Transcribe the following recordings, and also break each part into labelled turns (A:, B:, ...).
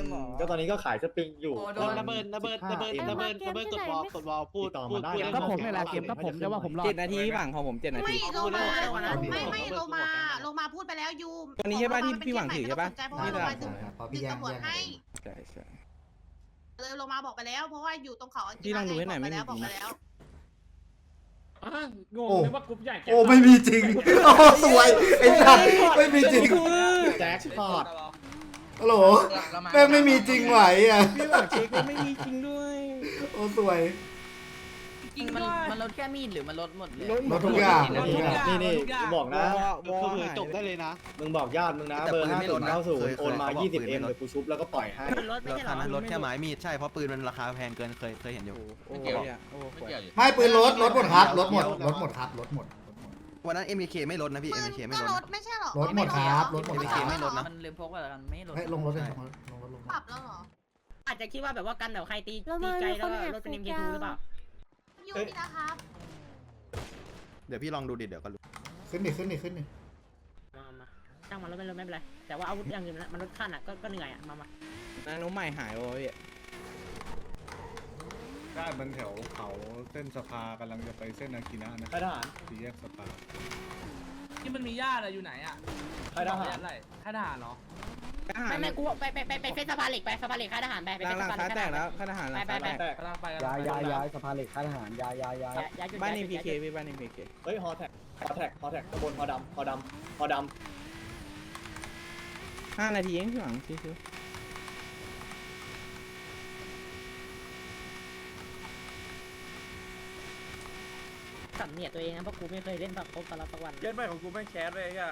A: ก็ตอนนี้ก็ขายสปริงอยู่
B: ระเบิดกดวอลพูด
A: ต่อมาได้
C: ก็ผมนี่แหละเกมก็ผมแต่ว่าผมรอ
D: 7 นาทีพี่หวังของผม7 นาที
E: ไม่โลมาพูดไปแล้วยู
D: ตัวนี้ใช่ป่ะที่พี่หวังถือใช่ป่ะ
E: เพราะว่าโลมาดึง
F: พอพี่แย่ง
E: ตำรวจให้
D: ใช่ใช่
E: เลยโลมาบอกไปแล้วเพราะว่าอยู่ตรงเขา
D: พี่ลองดูให้หน่อยไม่มี
E: บอกไปแล้ว
B: งงนึกว่ากรุ๊ปใหญ่
F: โอ้ไม่มีจริงโอ้สวยไอ้สัตว์ไม่มีจริง
A: แจ็คพอต
F: ฮัลโหลแม่งไม่มีจริงไหวอ่ะ
D: พี่หวังเช็คก็ไม่มีจริงด้วย
F: โอ้สวย
G: จริงมันลดแค่มีดหรือมันลดหมดเลย
F: ลดทุกอย่าง
A: นี่บอกนะ
B: คือจบได้เลยนะ
A: มึงบอกญาติมึงนะเบอร์5090โอนมา20M เดี๋ยวกูชุบแล้วก็ปล่อยให้
G: รถไม่ใช่หรอ
H: รถแค่ไม้มีดใช่เพราะปืนมันราคาแพงเกินเคยเห็นอยู่
D: โอ้โหเนี่ยโอ้โห
F: ไม่ปืนลดหมดครับลดหมดครับลดหมด
H: วันนั้น MK ไม่ลดนะพี่ MK ไม่ลด
E: รถไม่ใช่หรอ
F: ลดหมดครับลดหมด
H: MK ไม่ลดนะ
G: มันลืมพกไปแล้วกันไม่ลด
F: เฮ้ยลงรถเลยลง
E: ปรับแล้วเหรอ
G: อาจจะคิดว่าแบบว่ากันแบบใครตีไกลแล้วรถเป็น MK2 หรือเปล่า
E: ยูนี่นะครับ
H: เดี๋ยวพี่ลองดูดิเดี๋ยวก็รู้
F: ขึ้นดิ
G: มาช่างมันรถไม่เป็นไรแต่ว่าอาวุธอย่างอื่นมันลดขั้นอ่ะก็เหนื่อยอ่ะมา
D: นานุใหม่หายโอ้ย
I: ได้มันแถวเขาเส้นสภากำลังจะไปเส้นอากินะนะ
A: ใครทหาร
I: สี่แยกสภา
B: ที่มันมีญาติอยู่ไหนอ่ะ
A: ใครทหาร
B: อะไรค่ายทหารเหรอ
D: ทหาร
G: ไม่กูไปสะพานเหล็กไปสะพานเหล็กค่ายทหารไป
D: หลังคาแตกแล้วข้าทหารหลังคาแตก
A: แตก
B: กำลังไป
C: ย้ายสะพานเหล็กค่ายทหารย้าย
D: บ้านใน PK พี่บ้านใน PK
A: เฮ้ยฮอแท็กตะบนฮอดำ
D: 5 นาทีเองพี่หวังชิว
G: สำเนียดตัวเองนะเพราะกูไม่เคยเล่นแบบครบตลอดวัน
B: เล่นใหม่ของกูไม่แคสเลยอ่ะ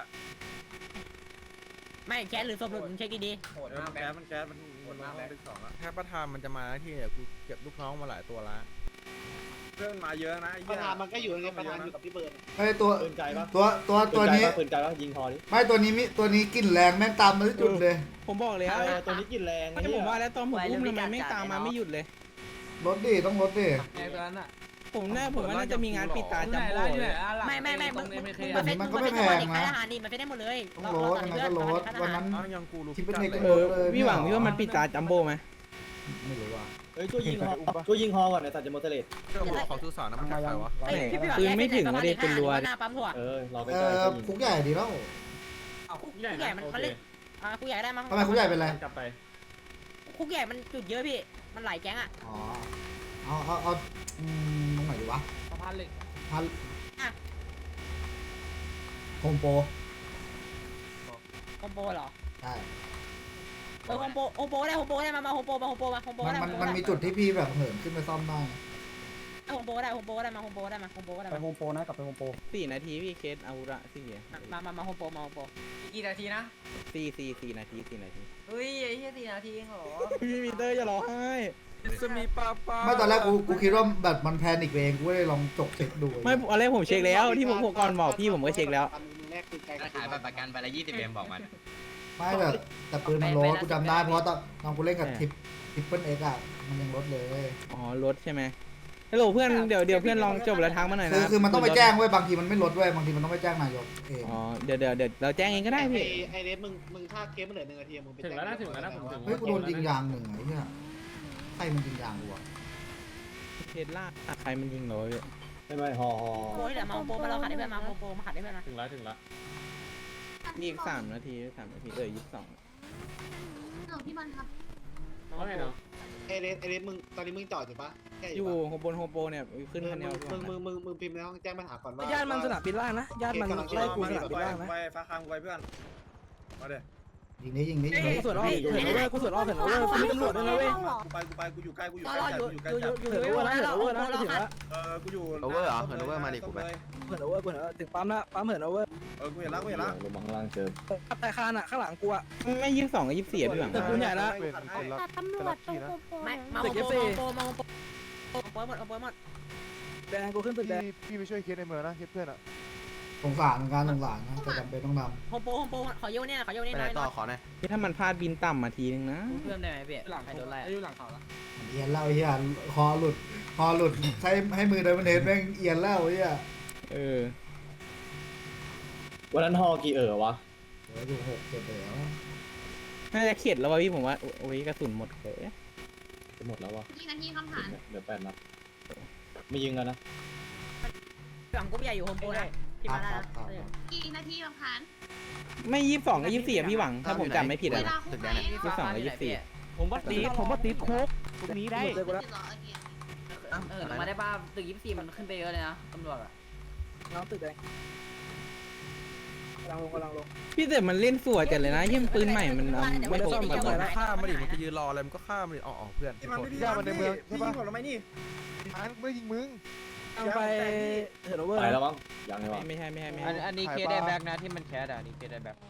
G: ไม่แคสหรือสมรุดมึงเช็คดี
B: โหดมากมันแคสมันโหดมากเป็นสองอ่ะ
H: ถ้าประธานมันจะมาที่เนี่ยกูเก็บลูกน้องมาหลายตัวละ
B: เรื่องมาเยอะนะ
C: ประธานมันก็อยู่ในประธานอยู่กับพี่เบิร์ด
F: ไอ้ตัว
A: ปืนไกลปะ
F: ตัวนี้
A: ปืนไกลปะยิงฮอดิ
F: ไม่ตัวนี้กลิ่นแรงแม่งตามมาที่จุดเลย
D: ๆผมบอกเลย
A: ตัวนี้กินแรง
D: ไม่ผมว่าแล้วตอนผมอุ้มทำไมไม่ตามมาไม่หยุดเลย
F: รถดิต้องรถดิ
B: ไงตัวนั้นอ่ะ
D: ผมว่าน่าจะมีงานปิดตาจัมโบ้เลย
G: ไม่มึงค่ายทหารนี่มันไม่ได้หมดเลย
F: ต้องรถยังไงก็รถวันนั้น
H: ยังกูรู้
F: คิดเป็นไงก็
D: เอ
F: ร
D: อ
F: ถเลย
D: พี่หวังพี่ว่ามันปิดตาจัมโบ้ไหม
F: ไม่รู้ว่า
A: เฮ้ยช่วยยิงฮอก่อนในสัตว์จะโมเตเลต
H: เจ้าหัวของทุสานนะมันใครวะ
D: ปืนไม่ถึงเลยเป็นรัว
G: หน้าปั๊มถั่ว
A: รอไป
F: เอ
A: ใกล้
F: อคุกใหญ่ดีแล้ว
G: คุกใหญ่มันเขาเล่นคุกใหญ่ได้มั้ง
F: ทำไมคุกใหญ่เป็นไร
A: กลับไป
G: คุกใหญ่มันจุดเยอะพี่มันหลายแก๊งอ่ะ
F: อ๋อเอาตรงไหนดีวะ
B: สะพานเหล็ก
F: พันโฮมโปร
G: โฮมโปรเหรอ
F: ใช่
G: โฮมโปรได้มาโฮมโปร
F: มันมีจุดที่พี่แบบเหินขึ้นไปซ่อมได้
G: โฮมโปรได้มาโฮมโปรได้
C: ไป
G: มา
C: โฮมโปรนะกลับไปโฮมโปร
D: 4 นาทีพี่เคสอาวุธอะ4
G: มาโฮมโปร
B: กี่นาทีนะ
D: 4 นาที
G: เฮ้ยไอ้เหี้ย4 นาทีเองเหรอ
D: พี่มีเตอร์จะร้องไห้
B: จะมีป้า
F: ไม่ตอนแรกกูคิดว่าแบบมันแพนิกเองกูเลยลองจกเช็คดู
D: ไม่อะไรผมเช็คแล้วที่ผมก่อนบอกพี่ผมก็เช็คแล้ว
C: แรกคือไกล
J: ขายบัตรประกันไปละ20M บอกมัน
F: ไม่แต่ปืนมันลดกูจำได้เพราะตอนกูเล่นกับทิปเปิลเอ็กอะมันยังลดเลย
D: อ๋อรถใช่ไหมฮัลโหลเพื่อนเดี๋ยวเพื่อนลองจบแล้วทักมาหน่อยนะ
F: คือมันต้องไปแจ้งเว้ยบางทีมันไม่ลดเว้ยบางทีมันต้องไปแจ้งนายกเอง
D: อ๋อเดี๋ยวเราแจ้งเองก็ได้พี่
C: ไอเรสมึงถ้าเคสมันเหลือ1 นาทีมึงไป
B: ถึงแล้วนะผมถึง
F: เฮ้ยกูโดนยิงยางหนึ่งไอ้เหี้ยใครมันยิงยางกูอะ
D: เทสลาใครมันยิงเหรอพี่
A: ไม่ฮอ
G: โอ้ยเดี๋ยวมาโฮมโปรมาเราขัดได้เพื่อนมาโฮมโปรมาขัดได้เพื่อนมา
B: ถึงแล้ว
D: นี่อีก3 นาที22
E: เรื่องพี่มันครับ
B: ว่าไงเนาะ
C: ไอเรสมึงตอนนี้มึงจอดอยู่ปะแค่
D: อยู่บนโฮมโปรเนี่ยขึ้นคันเดียว
C: มึงพิมพ์ในห้องแจ้งปัญหาก่อนว่า
B: ญาติมันสนามบินล่างนะญาติมันไล่กูสนามบินล่างนะ
I: ไปฟ้าคามไปเพื่อนมาเด้
F: ยิงนี้
B: กูสวนอ้อมเห็นแล้วเว้ยกูมีตำรวจด้วยนะเว้ย
I: กูอยู่ใกล้
B: อยู่เลยว่าเหินโอเวอร์นะถึงแล้ว
I: กูอยู่
H: โอเวอร์เหรอเหินโอเวอร์มาดิกูไป
B: เหินโอเวอร์ถึงปั๊มละปั๊มเหินโอเวอร์
I: กูเห็นแล้ว
A: ลงมาข้างล่างเจอ
B: แต่คานอ่ะข้างหลังกูอ่ะ
D: ไม่22 กับ 24พี่หวัง
B: แต่กูใหญ่ละ
G: ตำรวจตรงไม่มาโฮมโปรหมด
B: แดงกูขึ้นตึกแดง
I: พี่ไปช่วยเคสในเมืองนะเคสเพื่อนอ่ะ
F: สงสารเหมือนกันสงสารนะแต่จำเป็นต้องท
G: โฮมโปรขอโยนเนี่ย
H: ไปไหนต่อขอหน่อย
D: ที่ถ้ามันพลาดบินต่ำมาทีนึงนะ
G: เพิ่มได้ไหมพี่
B: หลังโดนไล่อยู่หลังเขาละ
F: ำเอียนแล้วไอ้เหี้ยคอหลุดให้มือเดินมันเห็นแม่งเอียนแล้วไอ้เหี้ย
A: วันนั้นฮอกี่วะ
F: เหลืออยู่6 7แล้ว
D: น่าจะเข็ดแล้วว่ะพี่ผมว่าโอ้ยกระสุนหมดเลย
A: จะหมดแล้ววะ
E: กี่นาทีคำถาม
A: เหลือ8 นัดไม่ยิงกันนะ
G: ฝั่งกรุ๊ปใหญ่อยู่โฮมโปรนะพี่มาได้นะ
E: กี่นาทีคำถาม
D: ไม่22ก็24อะพี่หวังถ้าผมจำไม่ผิด
E: เว
D: อะ
E: ลา
D: นะ
E: คุกไหม
D: 22กับ24
B: ผมว่าติดคุกตรงนี้ได้
E: ติดเหรอเออ
G: มาได้ป่ะตึก24มันขึ้นไปเยอะเลยนะตำรวจอะ
D: น้องตึกเลยพี่แต่มันเล่นสวยจัดเลยนะยิ่งปืนใหม่มันไม่ตก
H: มัน
D: แบบ
H: ฆ่ามันดิมันจะยืนรออะไรมันก็ฆ่ามันดิอ๋อเพื่อน
I: ที่มันไม่ได้มันในเมืองใช่ปะผมไม่นี่ไม่ยิงมึง
D: ไปเฮโรเวอร์
A: ไปแล้วมั้งยังไงวะ
D: ไม่ใช่
B: อันนี้เคได้แบ็กนะที่มันแคสอ่ะนี่เคได้แบ็ก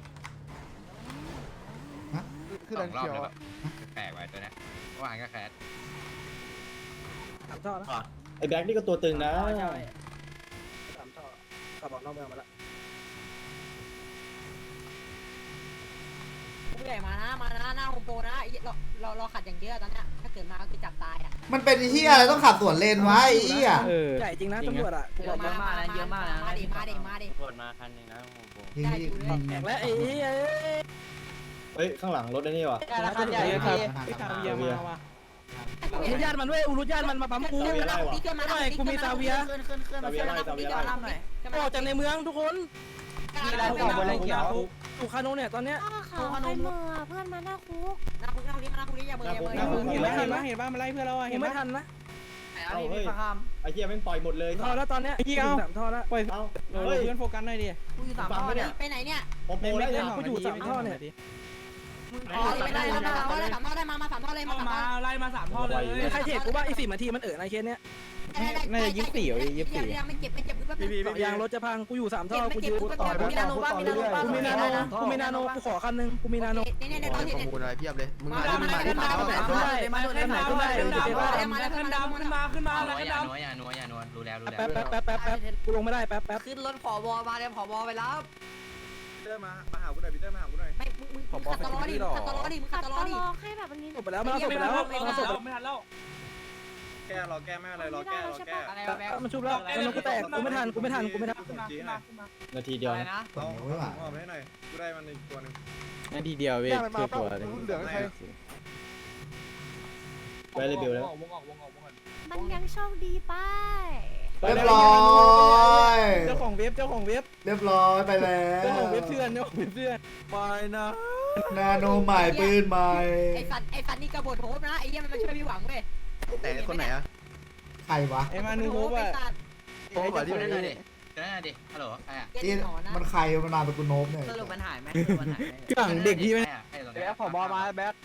J: คือสองรอบเลยแบบแปลกไว้ตัวเนี้ยเมื่อวานก็แคส
A: ไอ้แบ็คนี่ก็ตัวตึงนะ
G: ผู้ใหญ่มานะหน้าโฮมโปรนะเราขัดอย่างเยอะตอนเนี้ยถ้าเกิดมาก็คือจับตายอ่ะ
F: มันเป็นเฮียอะไรต้องขับสวนเลนวะไอ้เฮีย
D: ใหญ่จริงนะตำรวจอะ
G: เยอะมากนะเยอะมากนะมาดิ
B: ปวดมาคันนึงนะผม
F: ยิงดิยิง
D: และไอ้เหี้ย
A: เฮ้ยข้างหลังรถไอ้นี่วะ
B: ราคาใหญ่
D: ครับ
B: พี่
D: พี่คาเวียมาว่ะ
G: อุรุญาตมันด้วยอุรุญาตมันมาปั๊มกู
A: ซาเวียไล่วะ
G: กูมีซาเวีย
A: ซาเวียไล่ซาเวียไล่
G: ออกจากในเมืองทุกคน
B: มีร้านเก่าบนไรเขียว
D: ถูกคาโนเนี่ยตอนเนี้ย
E: เขาใครมือเพื่อนมาหน้าคุก
G: หน้าคุกอย่าเบอร์
D: เห็นป่ะมันไล่เพื่อนเราอะเห็นไม่ทันนะ
A: เฮ้ยไอ้เหี้ยแม่งปล่อยหมดเลย
D: ท่อแล้วตอนเนี้ยไอ้เหี้ยเอาท่อแล้วปล่อย
A: เอ้า
D: เพื่อนโฟกัสหน่อยดิ
G: กูอยู่3ท่อเนี่ยไปไหนเนี่ย
A: โปโป
D: ไม่
A: ได้
D: เล่
A: ยั
D: น
A: ง
D: กูอยู่3ท่อเนี่ย
G: ไม่ได้มา3ท่อได้มา3ท่อเลยมา3ท่อ
D: ไล่มา3ท่อเลยใครเทกูว่าไอ้10 นาทีมันในเคสเนี้ยน่าจะ24หรือ24
G: ไม่เจ็บ
D: ยางรถจะพังกูอยู่3ท่อกูยืน
G: มีนาโนบ้างมีนาโนบ้าง
D: กูมีนาโนกูขอคันนึงกูมีนาโน
G: เนี่ย
H: ประมูลอะไรเพียบเลยมึงมาดิมึงมาดิ
G: มา
J: อย่านัวรู้แล้ว
D: แป๊บกูลงไม่ได้แป๊บ
G: ขึ้นรถผบมาเลยผบไปรับ
H: พีเตอร์มาหากูหน่อยพีเตอร์มาหากูหน่อย
G: ไม่มึงขัดตลอดดิขัดตลอดดิมึงขัดตลอดดิ
E: ให้แบบวันนี้
D: จบไปแล้วมันจบไปแล้วมันจบ
B: ไม่ทันแล้ว
H: แก้รอแก้ไม่อะไรรอแก้
G: อะไรวะแบ๊ก
D: มันชุบแล้วมันกูแตกกูไม่ทัน
A: นาทีเดียวนะ
F: ส่งไว้ว่ะ
H: เอาไปให้หน่อยกูได้มันอีกตัวนึง
D: นาทีเดียวเว้ยคือตัว
I: เหลืองใคร
A: ไปเลยบิวแล้ว
E: มันยังโชคดีป้าย
F: เรียบร้อย
D: เจ้าของเว็บ
F: เรียบร้อยไปแล้ว
D: เจ้าของเว็บเพื่อน
H: ไปนะ
F: นาโนใหม่ปืนใหม่
G: ไอ้สันนี่กระบฏโหบนะไอ้เหี้ยมันมาช่วยพี่หวังเว้ย
H: แต่คนไหนอะ
F: ใครวะ
D: ไอ้มานูโฮบอะ
H: โอ้แบบที่
J: เดี๋
H: ไม่
J: ยว
H: ได้
J: ดิฮัลโหลใครอ่ะ
F: นี่มันใครมันนามเป็นกูโนบเนี่ย
G: สรุปมันหายไหม
D: หลังเด็กพี่ไม่
B: แบ็กผบมาแบ็ก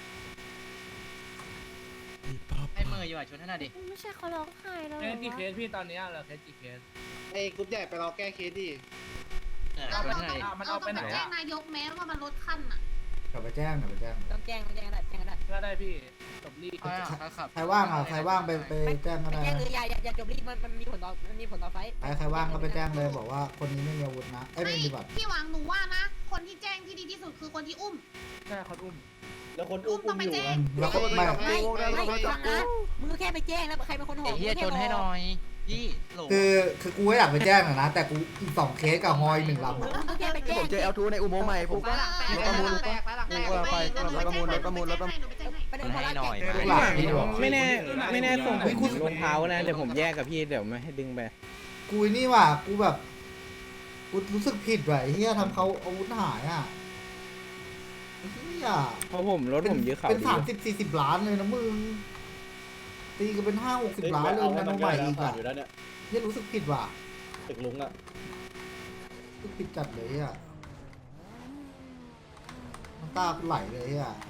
J: ให้มืออยู่อ่ะชุดให้หน่อยดิ
E: ไม่ใช่เขาร้องไห้แล้ว
B: กี่เคสพี่ตอนนี้เหรอเคสกี่เคส
C: ไอ้กรุ๊ปใหญ่ไปรอแก้เคสดิ
E: เรา
J: ชุด
E: ต้อง
J: ให้หน่อยดิ
B: มันเอาไปไหน
E: แจ้งนายกแม้ว่ามันลดขั้นอ่ะ
F: กลับไปแจ้งกลับไปแจ้ง
G: ต้องแจ้งได้
B: ก็ได้พี่จบรี
F: ใครว่างอ่ะใครว่างไปแจ้งก็
G: ไม่
F: ได้
G: แจ้งเลยอย่าจบรีมันมีผลต่อไฟ
F: ใครว่างก็ไปแจ้งเลยบอกว่าคนนี้ไม่มีอาวุธนะเอ้ยไม่มีบัตร
E: พี่หวังหนูว่านะ คนที่แจ้งที่ดีที่สุดคือคนที่อุ้ม
B: ใช่คนอุ้ม
A: แล้วคนอุ้ม
E: ต้องไป
A: อยู่
E: แจ้ง
F: แล้วก็ไม่
G: ไม่ฟังนะมึงแค่ไปแจ้งแล้วใครเป็นคนห่อ
J: ไอ้เหี้ยชนให้หน่อยพี่โหล
F: คือกูก็อยากไปแจ้งนะแต่กูอีก2เคสกับฮอย1ลำ
G: มึงแค่ไปแจ้
H: ผ
G: ง
H: มเจอเอลทูในอุโมงค์ใหม่ผม
E: ไปหลังแตกไป
G: ประเด็นพอละ
D: ไม่แน่ส่งผมรองเท้านะเดี๋ยวผมแยกกับพี่เดี๋ยวไม่ให้ดึงไป
F: กูนี่ว่ะกูแบบกูรู้สึกผิดว่ะไอ้เฮียทำเขาอาวุธหายอ่ะไอ้เฮีย
D: เพราะผมรถผมยื้อเขา
F: เป็น
D: ดี
F: 30-40 ล้านเลยนะมึงตีกันเป็น50-60 ล้านเลยนาโนใหม่อีกอ่ะ
A: อยู่แล้วเนี่ย
F: เฮียรู้สึกผิดว่ะ
A: ตึกลุงอ่ะ
F: รู้สึกผิดจัดเลยอ่ะน้ำตาไหลเลยอ่ะ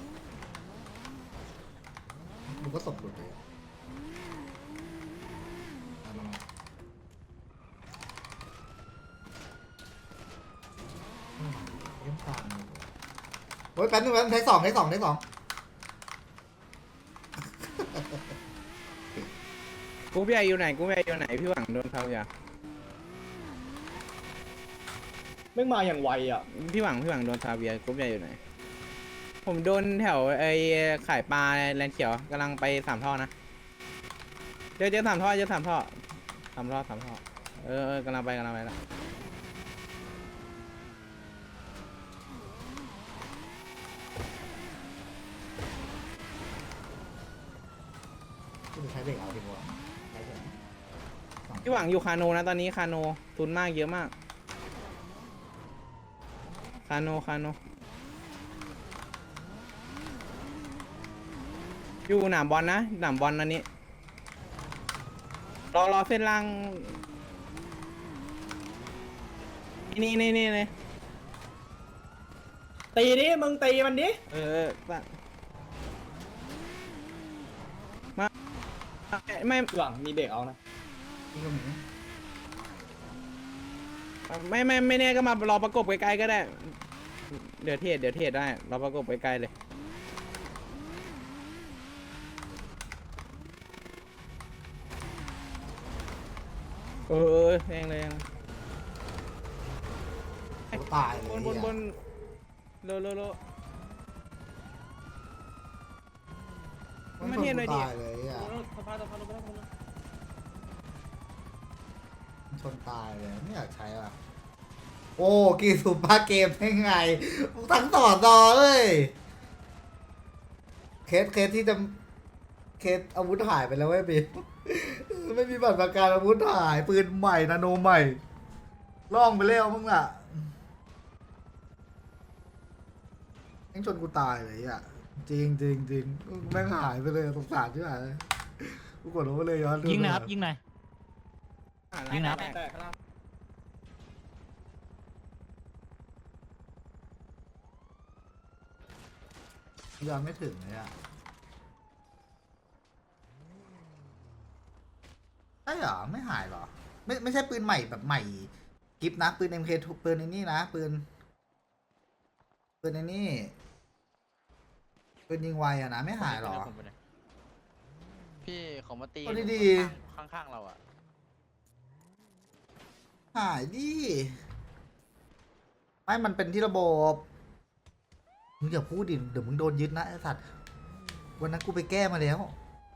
F: มึงก็สบหลุดเลยอะเล่นตามเลยโอ้ยแป๊บนึงเทคสอง
D: กูพี่ใหญ่อยู่ไหนพี่หวังโดนเขาอย่า
A: แม่งมาอย่างไวอ่ะ
D: พี่หวังโดนซาเวียกูพี่ใหญ่อยู่ไหนผมโดนแถวไอ้ขายปลาแลนเขียวกำลังไป3 ท่อนะเจอ3 ท่อ3 ท่อกำลังไปแล้ว
F: ใช้เด็กเอาดีกว่าใช้เด็ก
D: พี่หวังอยู่คาโนนะตอนนี้คาโนทุนมากเยอะมากคาโนอยู่หนามบอลนะหนามบอลอันนี้รอเส้นล่างนี่เลย
A: ตีดิมึงตีมันดิ
D: มาไม่
A: หวังมีเบรกเอานะ
F: นี่ก็มี
D: ไม่แน่ก็มารอประกบไกลๆก็ได้เดี๋ยวเทศได้รอประกบไกลๆเลยแรงเลย
F: กูตายเลย
D: บนโล
F: มันชนกูตายเลยอ่ะมันชนตายเลยไม่อยากใช้อ่ะโอ้กีสุปาเกมได้ไงทั้งต่อเลยเคสที่จะเคสอาวุธหายไปแล้วเว้ยบีไม่มีบัตรประกันอาวุธหายปืนใหม่นาโนใหม่ล่องไปแล้วมึงล่ะยังชนกูตายเลยอ่ะจริงแม่งหายไปเลยสงสารใช่ไหมกูกดลงไปเลยย้อนดู
B: ยิงนะครับยิงหน่อย ยิงนะ
F: ย้อนไม่ถึงเลยอ่ะใช่เหรอไม่หายเหรอไม่ใช่ปืนใหม่แบบใหม่กิฟนะปืน MK ปืนในนี่นะปืนในนี่ปืนยิงไวอะนะไม่หายเหรอ
H: พี่ของมาตี
F: เอาดี
H: ข้างๆเราอ่ะ
F: หายดิไม่มันเป็นที่ระบบมึงอย่าพูดดิเดี๋ยวมึงโดนยึดนะไอ้สัตว์วันนั้นกูไปแก้มาแล้ว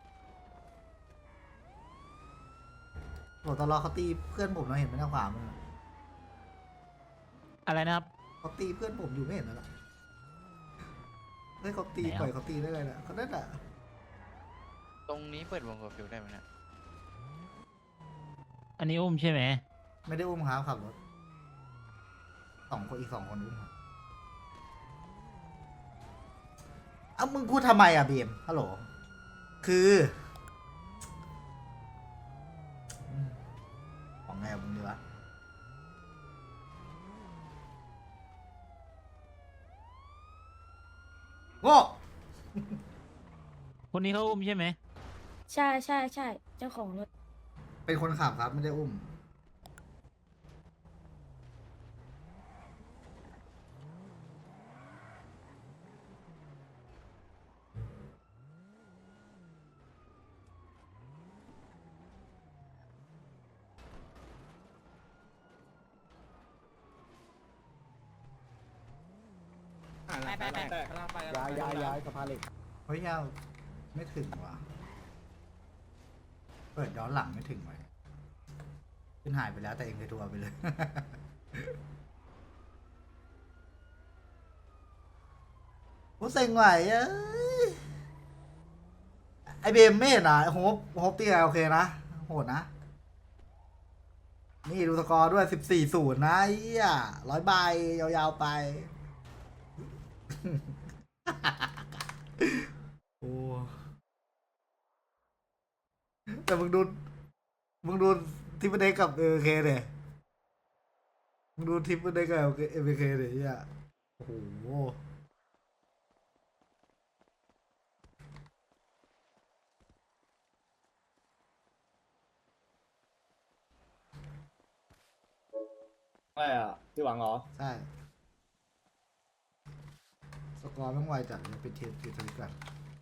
F: บอกตลอดเขาตีเพื่อนผมเราเห็นไหมหน้าขวามือ
B: อะไรนะครับ
F: เขาตีเพื่อนผมอยู่ไม่เห็นแล้วล่ะเฮ้ยเขาตี
B: ไหนอ่ะ
F: ปล่อยเขาตีได้เลยนะเขาได้แหละ
H: ตรงนี้เปิดวงกบฟิวได้ไหมเนี่ย
B: อันนี้อุ้มใช่ไหม
F: ไม่ได้อุ้มครับขับรถอีกสองคนอุ้มครับเอ้ามึงพูดทำไมอ่ะบีมฮัลโหลคือของไงอะมึงดีวะโง่
B: คนนี้เขาอุ้มใช่ไหม
G: ใช่เจ้าของรถ
F: เป็นคนขับครับไม่ได้อุ้ม
A: ย้ายสะพานเหล็ก
F: เฮ้ยยาวไม่ถึงว่ะเปิดย้อนหลังไม่ถึงไหมขึ้นหายไปแล้วแต่เองไปทัวร์ไปเลย โอ้เซ็งไหวเอ้ยไอเบมไม่เห็นอ่ะโฮปตี้โอเคนะโหดนะ นี่ดูสกอร์ด้วย14-0นะไอ้เหี้ย100 ใบยาวๆไป โอ้แต่มึงดูทิปเด็กกับเอเคเนี่ยมึงดูทิปเด็กกับเอเคเนี่ยเหี้ยโอ้โห
A: ใช่อ่ะที่หวังเหรอ
F: ใช่สกอร์แม่งไวจัดเลยเป็นเทียร์ทวิตกัน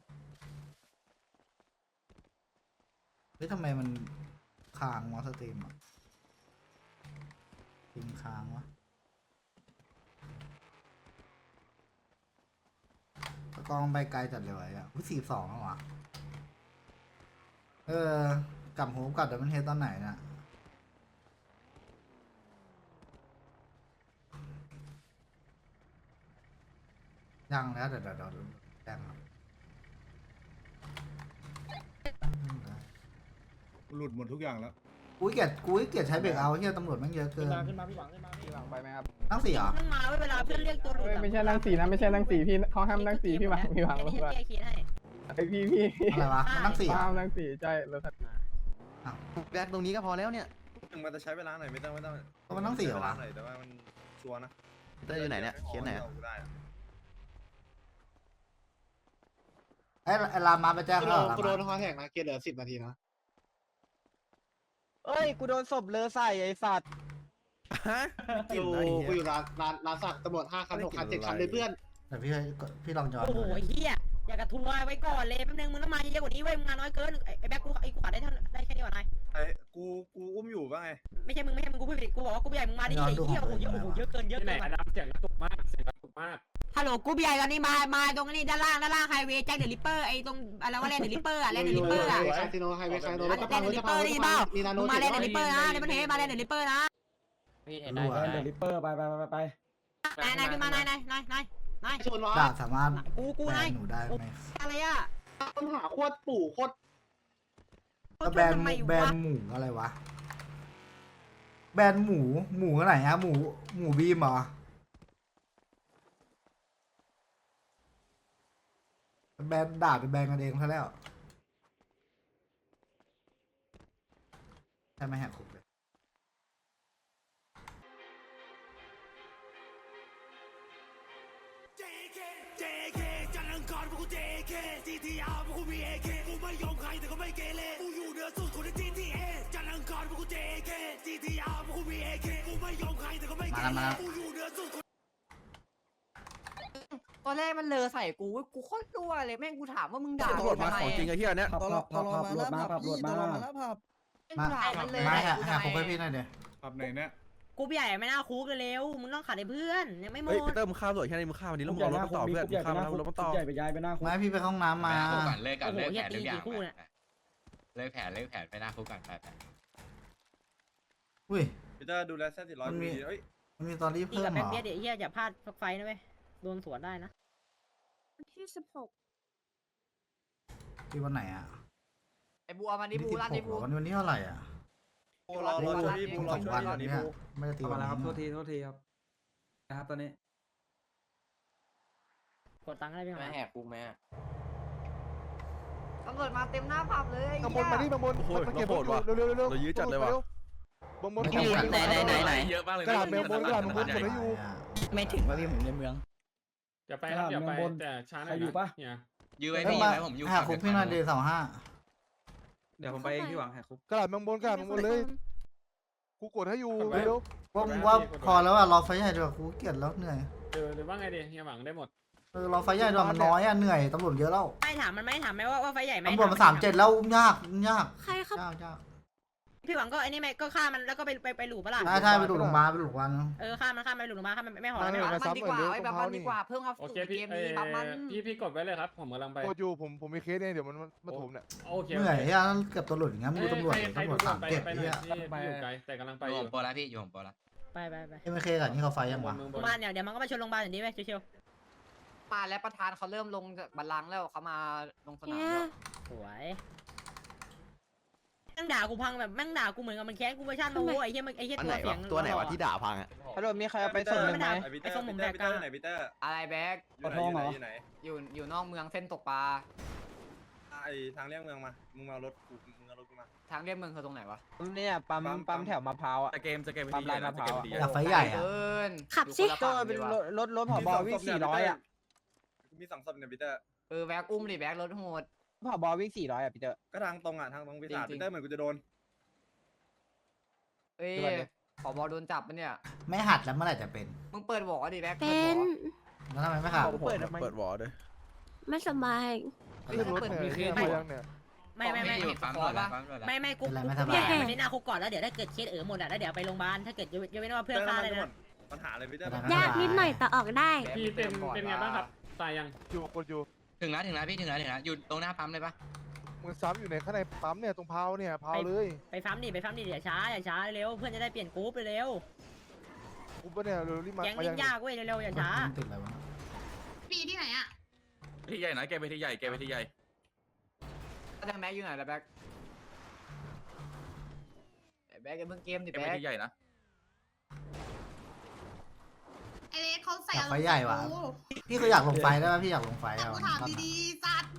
F: เฮ้ยทำไมมันค้างวะสตรีมอ่ะติงค้างวะสกอร์มันไปไกลจัดเลยวะอ่ะ42แล้ววะกลับโฮมกลับแต่มันเฮดตอนไหนน่ะยังแล้วเดี๋ยวแจ้งครับ
I: หลุดหมดทุกอย่างแล้ว
F: กูเกลียดใช้เบรกเอาเฮียตำรวจแม่งเยอะเกิน
A: ขึ้นมาพี่หวังขึ้นมาพี่หวัง
J: ไปไหมครับ
F: นั่งสี่เหรอ
G: นั่งมาเวลาเพื่อนเรียกตัวหลุด
B: ไม่ใช่นั่งสี่นะไม่ใช่นั่งสี่พี่เขาห้ามนั่งสี่พี่หวังพี่หวัง
G: แก้เคสให้
B: ไอพี่
F: อะไรวะมันนั่งสี่เหรอ
B: ห้ามนั่งสี่ใช่รถถัดมา
J: แบกตรงนี้ก็พอแล้วเนี่ย
A: มันจะใช้เวลาหน่อยไม่ต้อง
F: มันนั่งสี่เหรอวะ
A: หน่อยแต่ว่ามันชัวร์นะ
J: เตอร์อยู่ไหนเนี่ยเคสไหนอะ
F: ไอ้รามมาไปแจ้ง
C: กู
F: เขา
C: โด
F: เหรอน
C: กูโดนคอแท็กนะเกียร์เหลือ10 นาทีนะ
J: เอ้ยกูโดนศพเลอใส่ไอ้สัตว์
C: กูอยู่ร้านสักตำรวจ5 คัน 6 คัน 7 คันเลยเพื่อน
F: แต่พี่ลองย้อน
G: โอ้โหไอ้เหี้ยอยากกระทัวร์ไว้ก่อนเลยแป๊บนึงมึงต้องมาเยอะกว่านี้เว้ยมึงมาน้อยเกินไอ้แบ็คกูไอ้ขวาได้เท่าได้แค่นี้ก่อนนาย
A: กูอุ้มอยู่ป่ะไง
G: ไม่ใช่มึงกูพูดผิดกูบอกว่ากูใหญ่มึงมาดิไอ้เหี้ยโอ้โหเยอะเกินฮัลโหลกูใหญ่ตอนนี้มาตรงนี้ด้านล่างไฮเวย์แจ็คเดอะริปเปอร์ไอ้ตรงอะไรว่าแลนด์เดอะริปเปอร์อะแลนด์เดอะริปเปอร์อะ
C: คาสิโนไฮเวย์คาสิโน
G: แลนด์เดอะริปเปอร์ได้ยินเปล่ามึงมาแลนด์เดอะริปเปอร์นะในประเทศมาแลนด์เดอะริปเปอร์นะ
F: รู้อะ
A: เดลิเปอร์ไป
G: นายขึ้นมานาย
C: ชนวะ
F: ด่าสามารถ
G: กู
F: แบ
G: นาย
F: นหนูได้ไหม
G: อะไรอะ
C: ต้นหาโคตรปู่โคตร
F: แล้วแบนหมูอะไรวะแบนหมูอะไรอะหมูบีมเหรอแบนด่าเป็นแบนกันเองซะแล้วใช่ไหมแหกคุกเลย มา
G: ตอนแรกมันเลอใส่กูกูโคตรรั่วเลยแม่งกูถามว่ามึงด่า
J: ตำรวจมาของจริงไอ้เหี้ยเนี่ย
A: ตลอดมาขับรถมา
G: กูด่ามันเลย
F: มาแหกคุกให้พี่หน่อยเดี๋ยว
I: ขับไหนเนี่ย
G: กูใหญ่ไม่น่าคุกเร็วมึงต้องขัดให้เพื่อนยังไม่หม
J: เฮ้ย
G: ด
J: ปีเตอร์มึงข้าวสวยแค่นี้มึงข้าววันนี้แล้วมึงเอารถมาต่อเพื่อนมึงข้าวแล้วรถมาต่อ
A: ใหญ่ไปย้ายไปหน้าคุก
F: ไม่พี่ไปเข้าห้องน้ำมา
J: เลิกก่อน
G: โอ้โห
J: เลิก
G: เฮี
J: แผ
G: ย
J: น
G: ตี
J: ทุกอย่าง
G: กี่คู่เนี่ย
J: เลิกแผนไปหน้าคุกก่อนไป
F: อุ้ย
A: พี่เตอร์ดูแลเส้น400
F: มันมี
A: เฮ้ย
F: มันมีตอนรีบ
G: ตี
F: เพิ่
G: กั
F: ม
G: บ
F: เหร
G: แบ็ค
F: อ
G: เบียดเฮียอย่าพลาดไฟนะเว้ยโดนสวนได้นะ
E: ที่16
F: ที่วันไหนอ่ะ
G: ไอ้บัวมันนี่
F: ที่
G: บู
F: 16
G: ร้านนี่
F: เหร
G: บู
F: อวันนี้เท่าไหร่อ่ะ
A: รอช่วยพี่บูรอ
F: สอง
A: ช่วย
F: วัน
A: พี่ก่อน
F: เนี่
A: นี่
F: ย
A: บู
F: ไม่ได้ตีวันนี้
A: โทษทีครับนะครับตอนนี้
G: กดตังค์ได้พี่ไหม
J: แหกคุกไหม
G: ตำรวจมาเต็มหน้าผับเลย
J: ข้างบนมาดิข้างบนโอ้ยเราโหดว่ะเรายื้อจัดเลยว่ะ
H: ไหน
J: เยอะมากเลย
H: กระดาษเมลบนกระดาษเมลบน
J: ไม่ถึงว่าพี่ผมในเมือง
B: อย่าไปครับอย่าไปแต่ช้าหน่อยอยู่ปะเนี่ย
J: ยื้อไว้
F: เอ้ย
J: พี่
F: มา
J: ไว้ผมอยู่
F: แหกคุกพี่หน่อยเดย์25
A: เดี๋ยวผมไปเองพี่หวังแหกคุก
I: กระดาษเมืองบนกระดาษเมืองบนเลยกูกดให้อยู่เร็ว
F: ว่าพอแล้วอ่ะรอไฟใหญ่ดีกว่ากูเกลียดแล้วเหนื่อย
B: หรือว่าไงดีเฮียหวังได้หมด
F: รอไฟใหญ่ดีกว่ามันน้อยอ่ะเหนื่อยตำรวจเยอะแล้ว
G: ไม่ถามมันไม่ถามไหมว่าไฟใหญ่ไหม
F: ตำรวจมา37แล้วยาก
E: ใครครับ
F: ยาก
G: พี่หวังก็ไอ้นี่ไหมก็ฆ่ามันแล้วก็ไปหลูปะล่ะ
F: ใช่ไปดูโรงพยาบาลไปดูโรงพยาบาล
G: ฆ่ามันไปหลูลงมาฆ่ามันไม่หอ
I: มา
G: ไม่
I: เนี่ย
G: หอ
I: มาซ้ำหน่อยเร็วตรงเท้านี่
B: โอเคพี่พี่กดไว้เลยครับผมกำลังไป
I: กดอยู่ผมมีเคสเนี่ยเดี๋ยวมันมาถมเนี่ย
B: โอเค
F: เหนื่อยอ่ะเกือบตำรวจอย่างงั้นดูตำรวจ
B: ใครดู
F: 37
B: ไป
F: เนี่ย
B: ที่อยู่ไกลแต่กำลังไป
J: อ
B: อยู่ ยู่
J: โปรแล้วพี่อยู่ผมโปรแล้ว
G: ไป
F: เอ็มเคกับนี่เขาไฟยังวะ
G: โรงพยาบาลเดี๋ยวมันก็มาชนโรงพยาบาลอย่างนี้ไหมเชียว
K: มาแล้วประธานเขาเริ่มลงบัลลังก์แล้วเขามาลงสนาม
E: เนี่ย
K: แล้ว
G: สวยแม่งด่ากูพังแบบแม่งด่ากูเหมือนกับมันแค้นกูเวอร์ชันโอ้ไอ้เหี้ยตัวเสียง
J: ตัวไหนวะที่ด่าพังอ่ะ
H: ฮัลโหลมีใครเอาไปส่งหนึ่งไหม
A: ไอ้ส้มผมแดกกันไหนพีเตอร์
K: อะไรแบ็ก
A: อยู่ไหน
K: อยู่นอกเมืองเส้นตกปลา
A: ไอ้ทางเลี่ยงเมืองมามึงเอารถกูมา
K: ทางเรียบเมืองคือตรงไหนวะ
H: เนี่ยปั๊มแถวมะพร้าวอ่ะ
J: เกมไป
H: ปั๊มลายมะพร้าว
F: อยากไฟใหญ่อ่ะ
K: เกิน
E: ขับสิ
K: อยู่คนละ
H: ก็
K: ฝั่ง
H: เป็น
K: ดีวะ
H: รถผบวิ่ง400อ่ะ
A: มี2ศพเนี่ยพีเตอร์
K: แบ็กอุ้มดิแบ็กรถโหด
H: ผบวิ่ง400อ่ะพี่เตอร์
A: ก็ทางตรงปีศาจพีเตอร์เหมือนกูจะโดน
K: เอ้ยผบโดนจับปะเนี่ย
F: ไม่หัดแล้วเมื่อไหร่จะเป็น
K: มึงเปิดบอกดิแบ็ก
E: เป็น
F: แล้วทำไมไม่ขับ
H: เปิดวอร์ด้วย
E: ไม่สบาย
I: นี่รถเนี่ยมีเคสมายังเนี่ย
G: ไม่
J: ปั๊มหมดแล้วปั๊มหมดแล้ว
G: ไม่กูพี่มันได้หน้าคุกก่อนแล้วเดี๋ยวถ้าเกิดเคสหมดอ่ะแล้วเดี๋ยวไปโรงพยาบาลถ้าเกิดยังไม่ได้ว่าเพื่อนฆ่าเลยนะ
A: ปัญหาอะไรพีเตอร์
E: ยากนิดหน่อยแต่ออกได้
B: พี่เป็นไงบ้างครับตายยัง
I: อยู่กดอยู่
J: ถึงแล้วพี่ถึงแล้วอยู่ตรงหน้าปั๊มเลยปะ
I: มึงซ้ำอยู่ในข้างในปั๊มเนี่ยตรงเพาเนี่ยเพาเลย
G: ไปฟ้ามดิอย่าช้าเร็วเพื่อนจะได้เปลี่ยนกรุ๊ปเร็ว
I: กูปะเนี่ยเร็วรีบมา
G: แก๊ง
I: มา
G: เล่
I: ยั
G: น
I: ง
G: ยากเว้ยเร็วอย่าช้า
F: ติดอะไรวะ
E: ปีที่ไหนอ่ะ
J: ที่ใหญ่นะแกไปที่ใหญ่
K: แต่แม็กอยู่ไหนล่ะแบ็กแบ็กเพิ่งเกมดิ
J: เป็น
K: แบ็
J: ไป
K: ก
J: ที่ใหญ่นะ
E: ไอเล็กเขาใส่
F: อยาก
E: อาร
F: ไฟ
E: มณ์
F: ใหญ่ว่ะ พี่ก็อยากลงไฟได้ป่ะพี่อยากลงไฟ
E: แต่
F: อ่ะ
E: กูถามดีๆสัตว์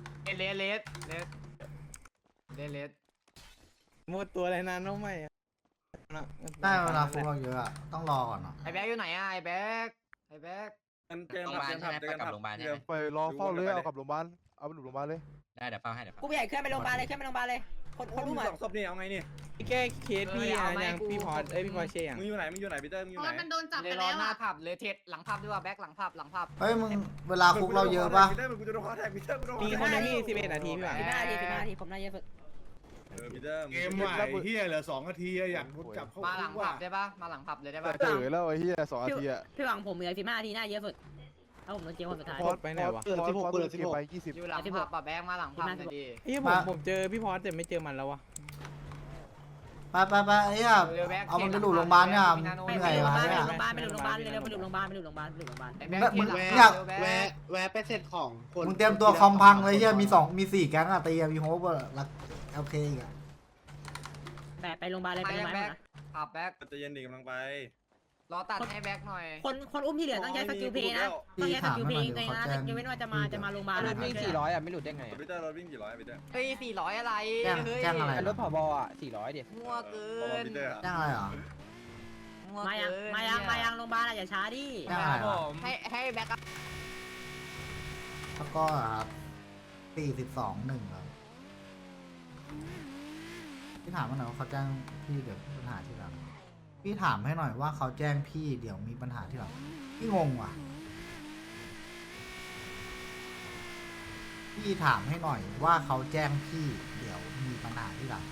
K: เลส
D: หมดตัวอะไรนานน้องใหม่อะ
F: ได้เวลาฟุกเราเยอะอะต้องรอก่อนเนาะ
K: ไอแบ็กอยู่ไหนอะไอแบ็ก
J: เจอกับโรงพยาบาลใช่ไหม
I: ไปรอเฝ้าเลยเอากลับโรงพยาบาลเอาไปหลุมโรงพยาบาลเลย
J: ได้เดี๋ยวเฝ้าให้เดี๋ยว
G: กูใหญ่เคลื่อนไปโรงพยาบาลเลยเคลื่อนไปโรงพยาบาลเลยคนรู้ไหม
A: สองศพนี่เอาไงนี่
D: แก้เคสพี่อะยังพี่พอร์ตพี่พอร์เช่ยัง
A: มึงอยู่ไหนมึงอยู่ไหนพีเตอร์มึงอยู่
E: เพ
A: ไหน
E: ราะมันโดนจับ
K: เล
E: ไป
K: ยรอ
E: แล้ว
K: หน้า
E: อะ
K: ผับเลยเทสหลังผับด้วยว่าแบ็กหลังผับ
F: เฮ้ยมึงเวลาคุกเราเยอะป่ะ
A: พีเตอร์มึงกูจะโดนคอแทกพีเตอร์กูโดน
D: มีคนนึงพี่11 นาทีพี่หวัง
G: 15 นาทีผมน่าเยอะสุด
A: พีเตอร์
I: เกมใหม่เฮียเหลือ2 นาทีอยากจับเข้า
K: มาหลัง
I: คุก
K: ผั
I: ว่ะ
K: บได้ปะมาหลังผับเลยได้ปะ
I: เจอแล้วไอ้เฮีย2 นาทีอะ
G: พี่หวังผมเหลือ15 นาทีน่าเยอะสุดถ้าผมโดนเจียวคนสุดท้าย
D: ไปไหนวะ
I: ไป20
K: อยู่หลังผับป่ะแบ็กมาหลังผับหน่อยดิ
D: เฮ้ยผมเจอพี่พอร์ตแต่ไม่เจอมันแล้ววะ
F: ไปไอ้เหี้ยเอามันไปหลุดโรงพยาบาลเนี่ยมึง
G: ไป
F: เหนื่อยวะ
G: ไป
F: เนี่ย
G: โรงพยาบาลไปโรงพยาบาลเร็วไปโรงพยาบาลไปโรงพยาบาล
K: ไอแบ็ก
F: มึง
K: เทสหลัง
F: อยาก
K: ผับเร็ว
C: แวะ
K: แบ็ก
C: แวะไปเสร็จของคน
F: มึงเตรียมตัวคอมพังเลยเหี้ยมี4แก๊งอะตีอะมีโฮปอะรักโอเคอีกอะ
G: ไปโรงพยาบาลเลยไปโรงพยาบาล
K: แบ็กผับแบ็ก
A: จะเย็นดีกำลังไป
K: รอตัดให้แบ็กหน่อย
G: คนอุ้มที่เหลือต้องใช้สกิลเพย์นะต้องใช้สกิลเพย์เลยนะยกเว้นว่าจะมาโรงพยาบาล
H: วิ่ง400อ่ะไม่หลุดได้ไง
A: พีเตอร์รถวิ่งกี่ร้อยพีเตอร์
K: เฮ้ย400อะไรเฮ้ย
F: แจ้งอะไร
H: รถผบอ่ะ400เดี๋ยว
K: มั่วเกิ
A: ประมาณ
K: น
A: พีเตอร์
F: แจ้งอะไรเหรอ
K: มั่ว
G: มา
K: เกิน
G: ยังโรงพยาบาลอย่าช้าดิ
F: แจ้งอะไรเหรอ
K: ให้แบ็ก
F: แล้วก็42-1ครับพี่ถามมาหน่อยว่าเขาแจ้งพี่เดี๋ยวมีปัญหาที่หลังพี่ถามให้หน่อยว่าเขาแจ้งพี่เดี๋ยวมีปัญหาที่หลังพี่งงว่ะพี่ถามให้หน่อยว่าเขาแจ้งพี่เดี๋ยวมีปัญหาที่หลัง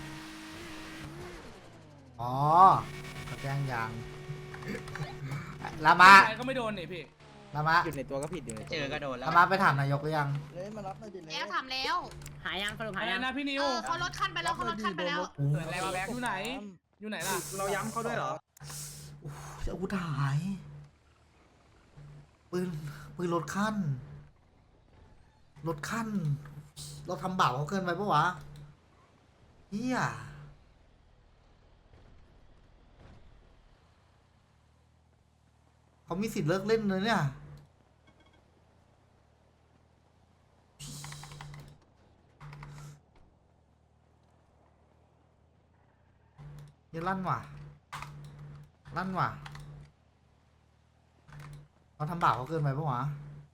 F: อ๋อเขาแจ้งยังลามา
B: ก็ไม่โดนนี่พี่
F: ลามา
D: อยู่ในตัวก็ผิดอยู่ในตัว
H: เจอก็โดนแล้ว
F: ลามาไปถามนายกหรือยัง
E: แล้วทำแล้ว
G: หายังสรุป
B: อะ
G: หา
B: ไร
G: ยัง
B: นะพี่นิว
E: เขาลดขั้นไปแล้วเขาลดขั้นไปแล้ว
K: เกิดอะไรวะแบ็ก
B: อยู่ไหน อยู่ไหนล่ะ
A: เราย้ำเขาด้วยเหรอ
F: จะอาวุธหายปืนลดขั้นเราทำบาปเขาเกินไปปะวะเฮียเขามีสิทธิ์เลิกเล่นเลยเนี่ยนี่ลั่นว่ะเราทำบาปเขาเกินไปปะวะ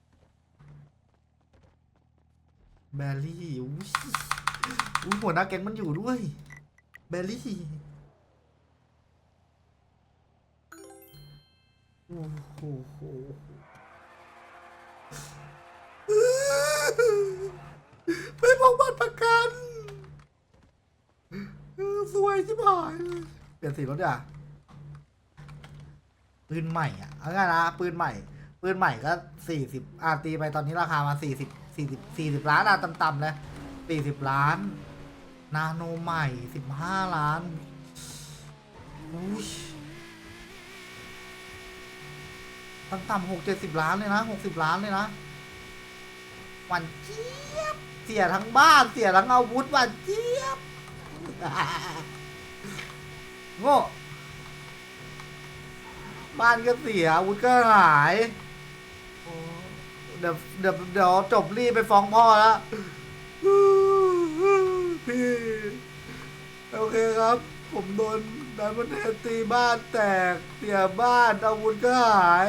F: แบลลี่อุ้ยหัวหน้าแก๊งมันอยู่ด้วยแบลลี่โอ้โหไปพกบัตรประกันสวยชิบหายเลยเปลี่ยนสีรถอ่ะปืนใหม่อ่ะเอาง่ายนะปืนใหม่ก็40ตีไปตอนนี้ราคามา40 ล้านอ่ะต่ำๆเลย40 ล้านนาโนใหม่15 ล้านอุ้ยต่ำๆ60 ล้านเลยนะ60 ล้านเลยนะหวานเจี๊ยบเสียทั้งบ้านเสียทั้งอาวุธหวานเจี๊ยบ โง่บ้านก็เสียอาวุธก็หายเดี๋ยวจบรีบไปฟ้องพ่อแล้วพี่โอเคครับ ผมโดนดันมันเทตีบ้านแตกเสียบ้านอาวุธก็หาย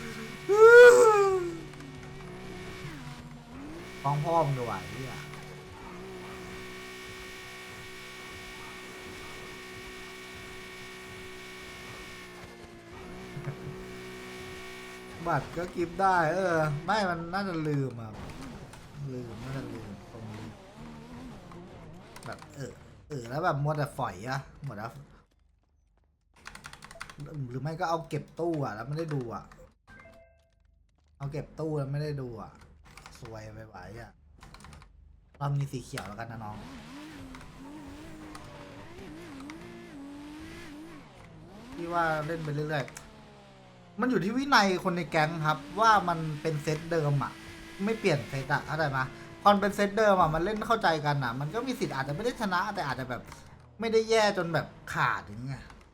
F: ฟ้องพ่อมึงด้วยเนี่ย บัตรก็กิฟต์ได้ ไม่มันน่าจะลืมอ่ะน่าจะลืมตรงนี้แบบแล้วแบบมัวแต่ฝอยอะหมดแล้วหรือไม่ก็เอาเก็บตู้อ่ะแล้วไม่ได้ดูอ่ะเอาเก็บตู้แล้วไม่ได้ดูอ่ะซวยไปไหวอ่ะเรามีสีเขียวแล้วกันนะน้องที่ว่าเล่นไปเรื่อยๆมันอยู่ที่วินัยคนในแก๊งครับว่ามันเป็นเซตเดิมอ่ะไม่เปลี่ยนเซตอ่ะเข้าใจไหมพอเป็นเซตเดิมอ่ะมันเล่นเข้าใจกันอ่ะมันก็มีสิทธิ์อาจจะไม่ได้ชนะแต่อาจจะแบบไม่ได้แย่จนแบบขาดอย่างเงี้ย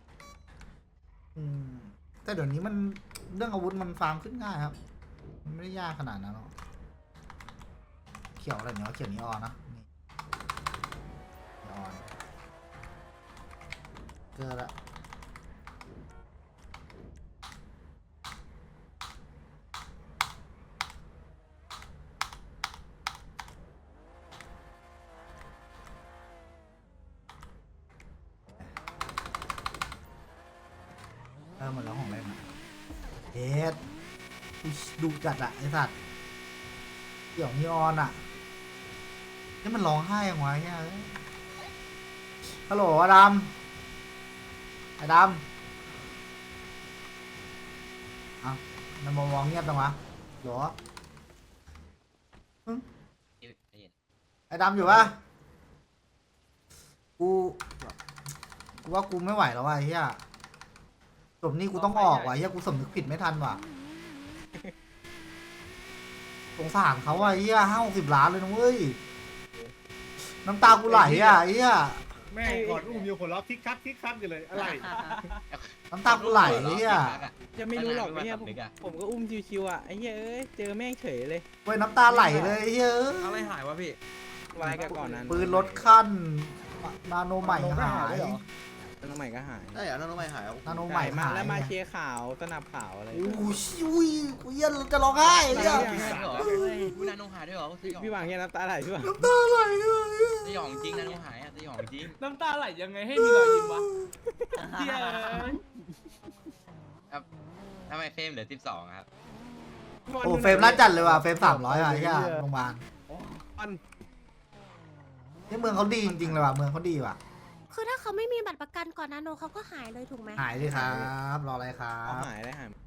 F: อืมแต่เดี๋ยวนี้มันเรื่องอาวุธมันฟาร์มขึ้นง่ายครับ มันไม่ได้ยากขนาดนั้นหรอกเขียวอะไรเนี่ยเขียวนีออนนะนี่นีออนเกิดละหมดแล้วของเล่นอะเฮ็ดดูจัดอะไอสัตว์เกี่ยวนีออนอะนี่มันร้องไห้ยังไงเนี่ยฮัลโหลอดัมไอ้ดำอ่ะมันมองเงียบจังวะหรอไอ้ดำอยู่ปะกูว่ากูไม่ไหวแล้วว่ะไอ้เหี้ยจบนี่กูต้องออกว่ะเฮียกูสำนึกผิดไม่ทันว่ะ สงสารเขาว่ะเฮีย50 ล้านเลยนะเว้ย น้ำตากูไหลอ่ะเฮีย
I: แม่งกอดอุ้มอยู่คนรับทิกคักกันเลยอะไร
F: น้ำตากูไหลเฮีย
D: จะไม่รู้หรอกไอ้เหี้ยผมก็อุ้มชิวๆอ่ะไอ้เหี้ยเอ้ยเจอแม่งเฉยเลย
F: เว้ยน้ำตาไหลเลยเฮีย
H: อะไรหายวะพี่
D: วายกันก่อนนั้น
F: ปืนลดขั้นนาโนใหม่หาย
D: น้องใหม่ก็หาย
J: ได้เหรอน้องใหม่หาย
F: นาโนใหม่
D: มา
F: หาย
D: แล้วมาเชียร์ข่าวสนับข่าวอะไร
F: โอ้โหอุ้ยกูเหี้ย็นจะร้องไห้เฮีย
H: วินาโนหายด้วยเหรอ
D: พี่หวังแค่น้ำตาไหลพี่หวัง
F: น้ำตาไหลเลย
H: สยองจริงนาโนหายอ่ะสยองจริง
B: น้ำตาไหลยังไงให้มีรอยยิ้มวะเฮีย
H: ทำไมเฟรมเหลือ12ครับ
F: โอ้เฟรมน่าจัดเลยว่ะเฟรม300อ่ะไอ้เหี้ยโรงพยาบาลนี่เมืองเขาดีจริงๆเลยว่ะเมืองเขาดีว่ะ
E: คือถ้าเขาไม่มีบัตรประกันก่อนนาโนเขาก็หายเลยถูกไหม
F: หายเลยครับ รออะไรครั
D: เอา
F: บ
D: หายได้หาย